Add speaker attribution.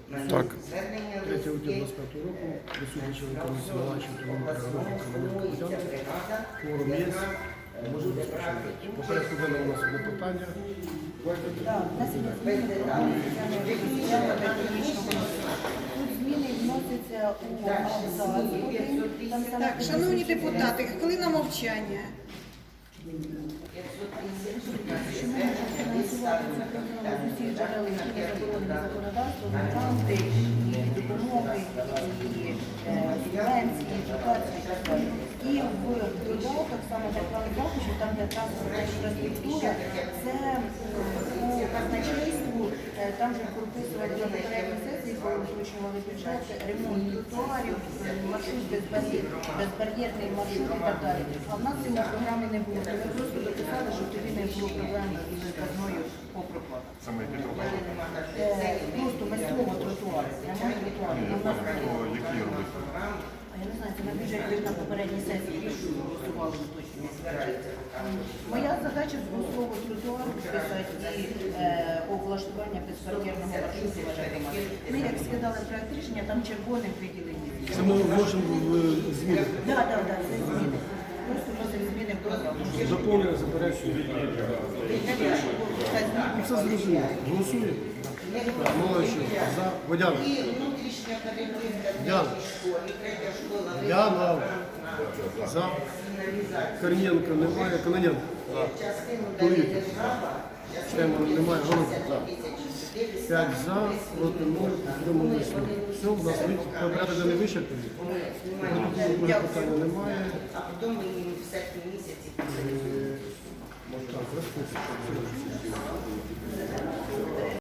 Speaker 1: Так.
Speaker 2: 3 грудня 25 року присутні члени комісії Маланченко, Комунального Комунального Форум є. Можемо розпочати. По порядку денного у нас одне питання.
Speaker 3: Тут зміни вносяться у абзац.
Speaker 4: Так, шановні депутати, хвилина мовчання.
Speaker 3: Що ми можемо фінансувати це програму з усіх джерел, які заборонені законодавством, гранти, і допомоги, і субвенції, дотації і так далі. І в додаток, саме для плану захисту, там де транспортна інфраструктура, це по казначейству, там же прописувати на попередній сесії, коли вручували бюджет, ремонт тротуарів, маршрут безбар'єрний маршрут і так далі. А в нас цього програми не було. Ми просто дописали, щоб тоді не було проблем із казною по проплатах.
Speaker 1: Саме які проблеми?
Speaker 3: Просто без цього тротуару. Ремонт тротуару.
Speaker 1: Які робити?
Speaker 3: А я не знаю, це на бюджеті на попередній сесії рішення голосували точно. Моя задача знову тротуар писати і облаштування безбар'єрного маршруту. Ми як скидали проект рішення, там червоним виділені.
Speaker 2: Це ми можемо змінити.
Speaker 3: Так, це зміни. Просто вносимо зміни в програму.
Speaker 2: Доповнення заперечення. Це зрозуміло. Голосуємо. Молодці. За. Водяна. Яна. За. Корнієнко немає. Кононенко. Кулик. Штеман немає. Голуб. 5 за, проти 0, утрималися 0. Все, у нас порядок не вичерпаний. Питання немає.
Speaker 5: А потім ми в серпні місяці.
Speaker 2: Так, розписуємо.